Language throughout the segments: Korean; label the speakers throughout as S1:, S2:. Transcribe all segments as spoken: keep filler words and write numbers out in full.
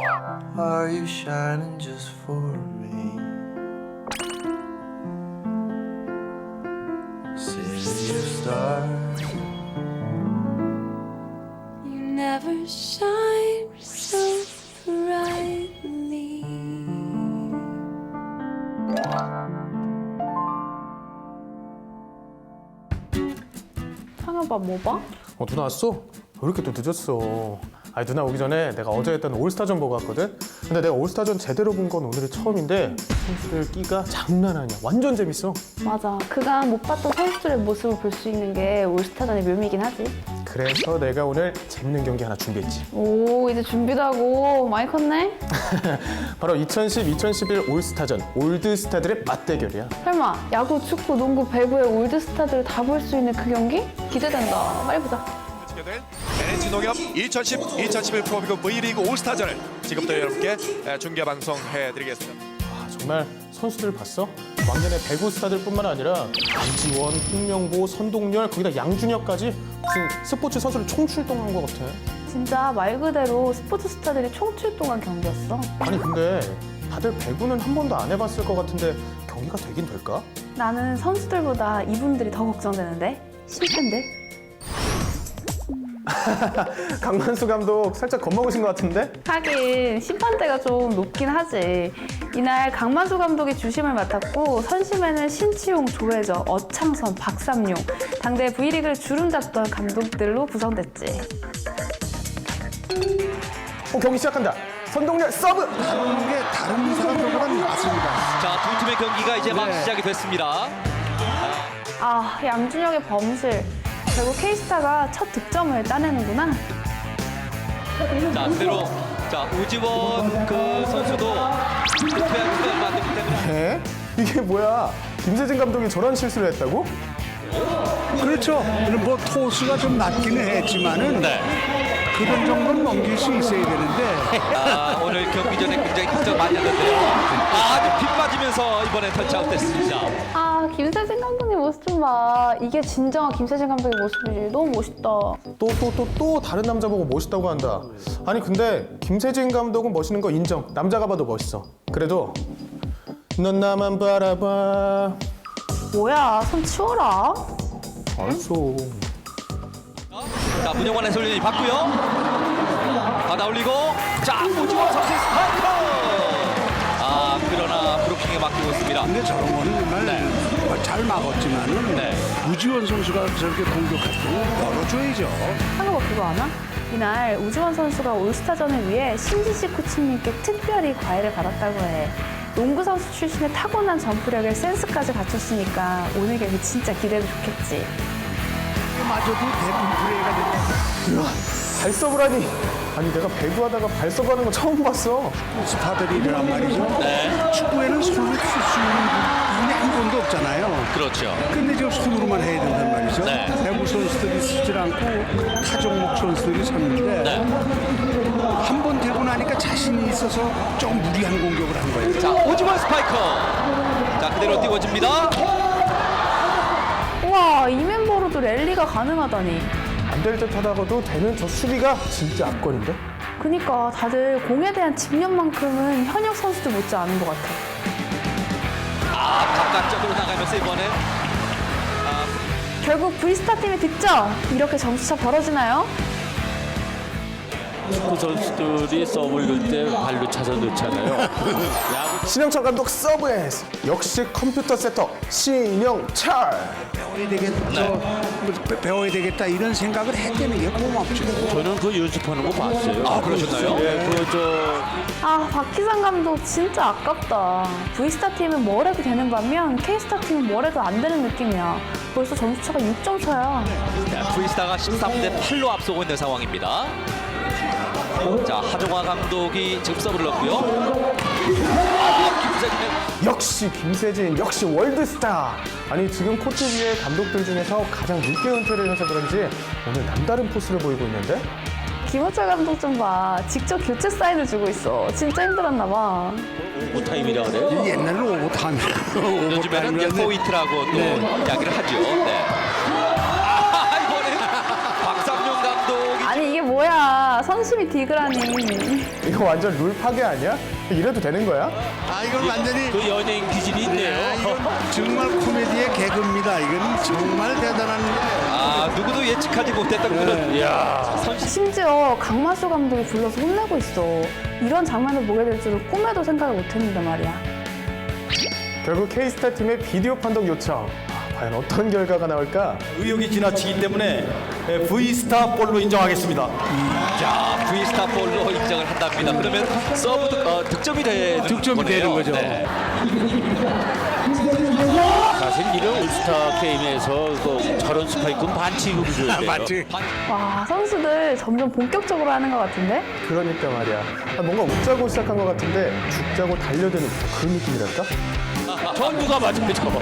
S1: Are you shining just for me? City of stars.
S2: You never shine so brightly.
S3: 상여봐 뭐 봐?
S4: 어, 누나 왔어? 왜 이렇게 또 늦었어? 아니 누나 오기 전에 내가 어제 했던 올스타전 보고 왔거든? 근데 내가 올스타전 제대로 본 건 오늘이 처음인데 선수들 끼가 장난 아니야. 완전 재밌어.
S3: 맞아. 그간 못 봤던 선수들의 모습을 볼 수 있는 게 올스타전의 묘미긴 하지.
S4: 그래서 내가 오늘 재밌는 경기 하나 준비했지.
S3: 오, 이제 준비도 하고 많이 컸네?
S4: 바로 이천십 이천십일 올스타전 올드스타들의 맞대결이야.
S3: 설마 야구, 축구, 농구, 배구의 올드스타들을 다 볼 수 있는 그 경기? 기대된다. 빨리 보자.
S5: 엔에이치 농협 이천십 이천십일 프로리그 V리그 올스타전을 지금부터 여러분께 중계 방송해드리겠습니다.
S4: 아, 정말 선수들 봤어? 왕년의 배구 스타들뿐만 아니라 안지원, 홍명보, 선동열, 거기다 양준혁까지 무슨 스포츠 선수를 총출동한 것 같아.
S3: 진짜 말 그대로 스포츠 스타들이 총출동한 경기였어.
S4: 아니 근데 다들 배구는 한 번도 안 해봤을 것 같은데 경기가 되긴 될까?
S3: 나는 선수들보다 이분들이 더 걱정되는데? 심팬들?
S4: 강만수 감독 살짝 겁먹으신 것 같은데?
S3: 하긴 심판대가 좀 높긴 하지. 이날 강만수 감독이 주심을 맡았고 선심에는 신치용, 조혜저, 어창선, 박삼용 당대 V리그를 주름잡던 감독들로 구성됐지.
S4: 어, 경기 시작한다. 선동열 서브!
S6: 이게 다른 부서가 들어가면 맞습니다.
S7: 자, 두 팀의 경기가 이제 막
S6: 네.
S7: 시작이 됐습니다.
S3: 아, 양준혁의 범실. 결국 K스타가 첫 득점을 따내는구나.
S7: 자, 그대로 자 우지원 그 선수도 은퇴한 지가 얼마 안 됐기 때문에
S4: 에? 이게 뭐야? 김세진 감독이 저런 실수를 했다고?
S6: 그렇죠. 뭐 토수가 좀 낮기는 했지만은
S7: 네.
S6: 그런 정도는 넘길 수 있어야 되는데
S7: 아, 오늘 경기 전에 굉장히 걱정 많이 했는데요. 아, 아주 빗 맞으면서 이번에 터치아웃 됐습니다.
S3: 아, 김세진 감독님 모습 좀 봐. 이게 진정한 김세진 감독의 모습이지. 너무 멋있다.
S4: 또 또 또 또 다른 남자 보고 멋있다고 한다. 아니 근데 김세진 감독은 멋있는 거 인정. 남자가 봐도 멋있어. 그래도 넌 나만 바라봐.
S3: 뭐야, 손 치워라.
S4: 알았어.
S7: 자, 문영환 해설위원이 받고요. 받아 올리고 자, 우지원 선수의 스파이크. 아, 그러나 브로킹에 맡기고 있습니다.
S6: 근데 저런 거는 정말
S7: 네.
S6: 잘 막았지만은
S7: 네.
S6: 우지원 선수가 저렇게 공격할 때는 열어줘야죠.
S3: 한국어 그거 아나? 이날 우지원 선수가 올스타전을 위해 신지식 코치님께 특별히 과외를 받았다고 해. 농구 선수 출신의 타고난 점프력에 센스까지 갖췄으니까 오늘 경기 진짜 기대도 좋겠지.
S6: 마저도 대부분 플레이가 되는
S4: 발서브라니. 아니 내가 배구하다가 발서브하는 거 처음 봤어.
S6: 스타들이란 말이죠.
S7: 네.
S6: 축구에는 손을 쓸 수 있는 분이 한 번도 없잖아요.
S7: 그렇죠.
S6: 근데 지금 손으로만 해야 된단 말이죠.
S7: 네.
S6: 배구 선수들이 쓰질 않고 타 종목 선수들이 섰는데
S7: 네.
S6: 한 번 되고 나니까 자신이 있어서 좀 무리한 공격을 한 거예요.
S7: 자, 우지원 스파이크. 자, 그대로 띄워집니다.
S3: 우와, 이 멤버로도 랠리가 가능하다니.
S4: 안 될 듯 하다가도 되는 저 수비가 진짜 압권인데?
S3: 그니까 다들 공에 대한 집념만큼은 현역 선수들 못지 않은 것 같아.
S7: 아, 바깥쪽으로 나가면서 이번에
S3: 결국 V스타 팀의 득점! 이렇게 점수차 벌어지나요?
S8: 축구 선수들이 서브를 넣을 때 발로 차서 넣잖아요. 야구
S4: 신영철 감독 서브에스. 역시 컴퓨터 세터 신영철.
S6: 배워야 되겠다, 뭐 배- 배워야 되겠다 이런 생각을 했다는 게 고맙죠.
S8: 저는 그 연습하는 거 봤어요.
S7: 아, 그러셨나요?
S8: 예, 그저
S3: 아, 박희상 감독 진짜 아깝다. V스타 팀은 뭘 해도 되는 반면 K스타 팀은 뭘 해도 안 되는 느낌이야. 벌써 점수차가 육 점 차야.
S7: V스타가 십삼 대 팔로 앞서고 있는 상황입니다. 자, 하종화 감독이 지금 서브를 넣고요. 아, 김세진의
S4: 역시 김세진, 역시 월드스타. 아니 지금 코치부의 감독들 중에서 가장 늦게 은퇴를 해서 그런지 오늘 남다른 포스를 보이고 있는데?
S3: 김호철 감독 좀 봐. 직접 교체 사인을 주고 있어. 진짜 힘들었나 봐.
S8: 오타임이라 그래요.
S6: 옛날로 오타임.
S7: 요즘에는 이제 포인트라고 또 이야기를 하죠. 네. 아, 이번엔 박삼용 감독이
S3: 아니 이게 뭐야. 선심이 디그라니.
S4: 이거 완전 룰 파괴 아니야? 이래도 되는 거야?
S6: 아 이건 완전히
S8: 그 연예인 기질이 있네요.
S6: 정말 코미디의 개그입니다. 이건 정말 대단한
S7: 아 누구도 예측하지 못했던 그런
S8: 이야.
S3: 심지어 강만수 감독이 불러서 혼내고 있어. 이런 장면을 보게 될 줄은 꿈에도 생각을 못했는데 말이야.
S4: 결국 K스타 팀의 비디오 판독 요청. 아, 과연 어떤 결과가 나올까?
S9: 의혹이 지나치기 때문에 V스타 볼로 인정하겠습니다.
S7: 자 V스타 볼로 인정을 한답니다. 그러면 서브 득, 어, 득점이 되는
S6: 득점이
S7: 거네요.
S6: 되는 거죠.
S7: 네.
S8: 사실 이런 올스타 게임에서 그 저런 스파이크는 반칙으로 줘야 돼요.
S6: 맞지?
S3: 와, 선수들 점점 본격적으로 하는 것 같은데?
S4: 그러니까 말이야. 아, 뭔가 웃자고 시작한 것 같은데 죽자고 달려드는 그런 느낌이랄까?
S8: 저 누가 맞아요, 저거.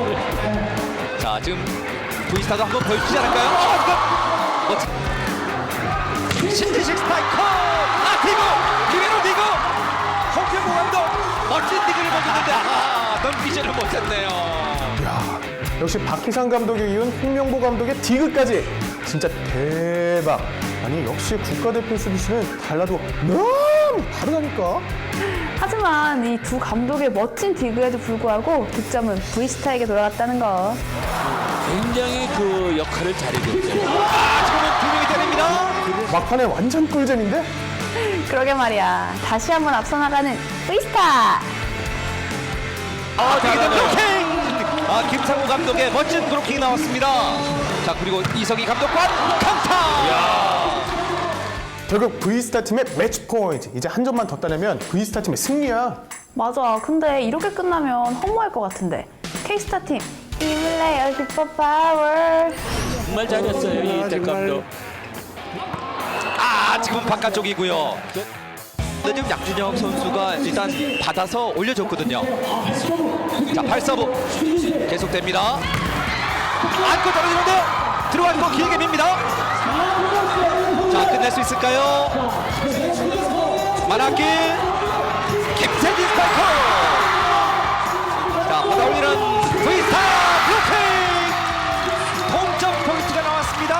S7: 자 지금 V스타도 한번 보여주지 않을까요? 어, 이거 멋진 신지식 스파이커! 아 디그! 리베로 디그! 홍명보 감독 멋진 디그를 보여줬는데 아 넘기지를 못했네요.
S4: 야, 역시 박희상 감독이 이은 홍명보 감독의 디그까지 진짜 대박. 아니 역시 국가대표 수비수는 달라도 너무 다르다니까.
S3: 하지만 이 두 감독의 멋진 디그에도 불구하고 득점은 V스타에게 돌아갔다는 거.
S8: 굉장히 그 역할을 잘해줬죠.
S7: 아 지금은 두 명이 때립니다.
S4: 막판에 완전 꿀잼인데?
S3: 그러게 말이야. 다시 한번 앞서 나가는 V스타!
S7: 아 되게 된 브로킹! 아 김상우 감독의 멋진 브로킹이 나왔습니다. 자 그리고 이석희 감독과 강타!
S4: 결국 V스타 팀의 매치 포인트. 이제 한 점만 더 따내면 V스타 팀의 승리야.
S3: 맞아. 근데 이렇게 끝나면 허무할 것 같은데. K스타 팀, 이블레이어 슈퍼 파워.
S8: 정말 잘했어요, 이 대감도.
S7: 아 지금 바깥쪽이고요. 근데 지금 양준혁 선수가 일단 받아서 올려줬거든요. 자 팔서브 계속됩니다. 안고 떨어지는데 들어왔고 길게 밉니다. 자 끝낼 수 있을까요? 만학길 김세진 스파이커. 자 받아올리는 V스타 블로킹 동점 포인트가 나왔습니다.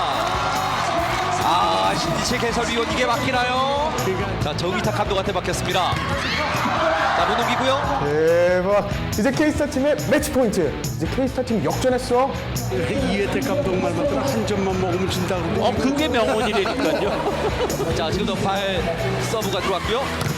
S7: 아 신지식 해설위원 이게 막히나요? 자 정의탁 감독한테 막혔습니다. 자 못 넘기고요.
S4: 대박. 이제 K스타 팀의 매치 포인트. 이제 K스타 팀 역전했어.
S6: 이회택 감독 말만 들어 한 점만 먹으면 진다 그러는데
S8: 어, 그게 명언이라니까요.
S7: 자 지금도 팔 서브가 들어왔고요.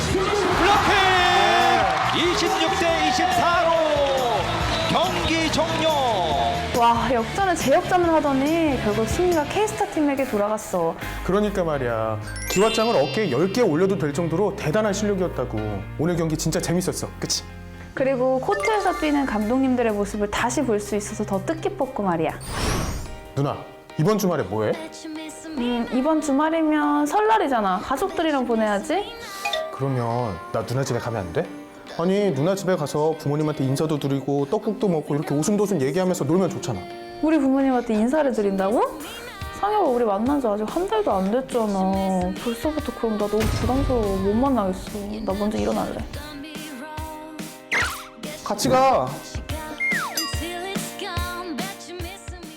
S7: 블로킹 이십육 대 이십사로 경기 종료.
S3: 와, 역전을 재역전을 하더니 결국 승리가 K스타 팀에게 돌아갔어.
S4: 그러니까 말이야. 기왓장을 어깨에 열 개 올려도 될 정도로 대단한 실력이었다고. 오늘 경기 진짜 재밌었어. 그치?
S3: 그리고 코트에서 뛰는 감독님들의 모습을 다시 볼 수 있어서 더 뜻깊었고 말이야.
S4: 누나, 이번 주말에 뭐해?
S3: 음, 이번 주말이면 설날이잖아. 가족들이랑 보내야지.
S4: 그러면 나 누나 집에 가면 안 돼? 아니 누나 집에 가서 부모님한테 인사도 드리고 떡국도 먹고 이렇게 오순도순 얘기하면서 놀면 좋잖아.
S3: 우리 부모님한테 인사를 드린다고? 상혁아, 우리 만난 지 아직 한 달도 안 됐잖아. 벌써부터 그럼 나 너무 부담스러워. 못 만나겠어. 나 먼저 일어날래.
S4: 같이 가.